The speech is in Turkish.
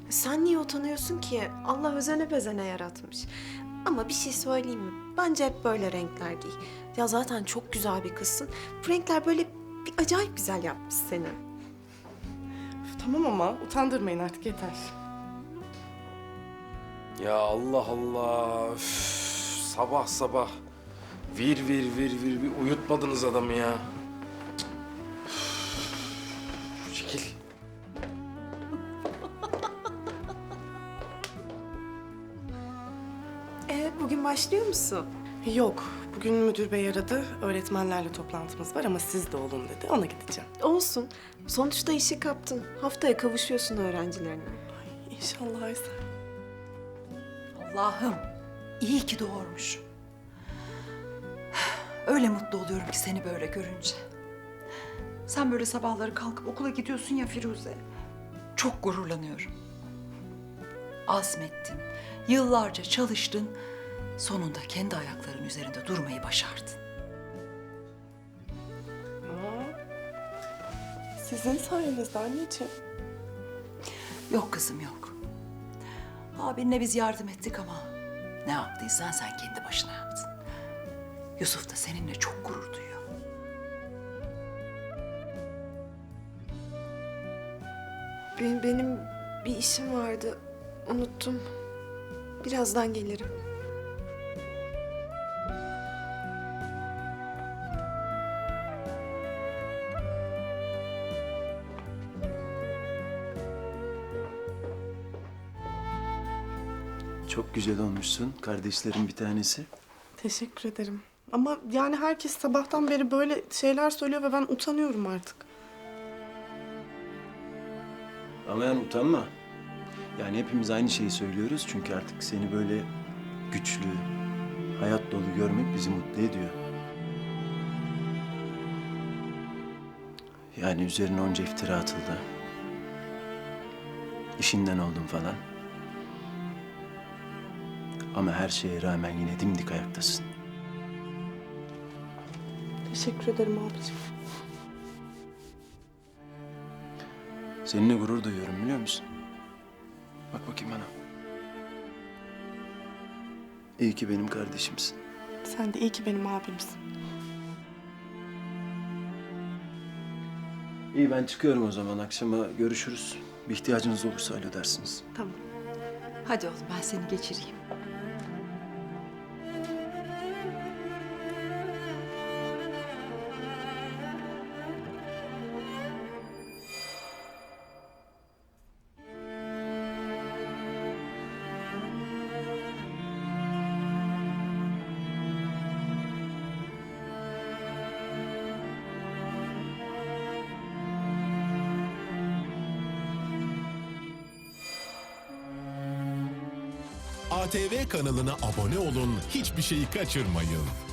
Sen niye utanıyorsun ki? Allah özene bezene yaratmış. Ama bir şey söyleyeyim mi? Bence hep böyle renkler giy. Ya zaten çok güzel bir kızsın. Bu renkler böyle bir acayip güzel yapmış seni. Üf, tamam ama utandırmayın artık yeter. Ya Allah Allah. Üf, sabah sabah vir bir uyutmadınız adamı ya. Üf, çekil. Bugün başlıyor musun? Yok, bugün müdür bey aradı. Öğretmenlerle toplantımız var ama siz de olun dedi. Ona gideceğim. Olsun. Sonuçta işi kaptın. Haftaya kavuşuyorsun öğrencilerine. İnşallah Aysel. Allah'ım iyi ki doğurmuş. Öyle mutlu oluyorum ki seni böyle görünce. Sen böyle sabahları kalkıp okula gidiyorsun ya Firuze. Çok gururlanıyorum. Azmettin, yıllarca çalıştın. Sonunda kendi ayaklarının üzerinde durmayı başardın. Sizin sayenizde anneciğim. Yok kızım yok. Abinle biz yardım ettik ama ne yaptıysan sen kendi başına yaptın. Yusuf da seninle çok gurur duyuyor. Benim bir işim vardı. Unuttum. Birazdan gelirim. Çok güzel olmuşsun. Kardeşlerin bir tanesi. Teşekkür ederim. Ama yani herkes sabahtan beri böyle şeyler söylüyor ve ben utanıyorum artık. Ama yani utanma. Yani hepimiz aynı şeyi söylüyoruz. Çünkü artık seni böyle güçlü, hayat dolu görmek bizi mutlu ediyor. Yani üzerine onca iftira atıldı. İşinden oldun falan. Ama her şeye rağmen yine dimdik ayaktasın. Teşekkür ederim abicim. Seninle gurur duyuyorum biliyor musun? Bak bakayım bana. İyi ki benim kardeşimsin. Sen de iyi ki benim abimsin. İyi ben çıkıyorum o zaman. Akşama görüşürüz. Bir ihtiyacınız olursa alo dersiniz. Tamam. Hadi oğlum ben seni geçireyim. ATV kanalına abone olun, hiçbir şeyi kaçırmayın.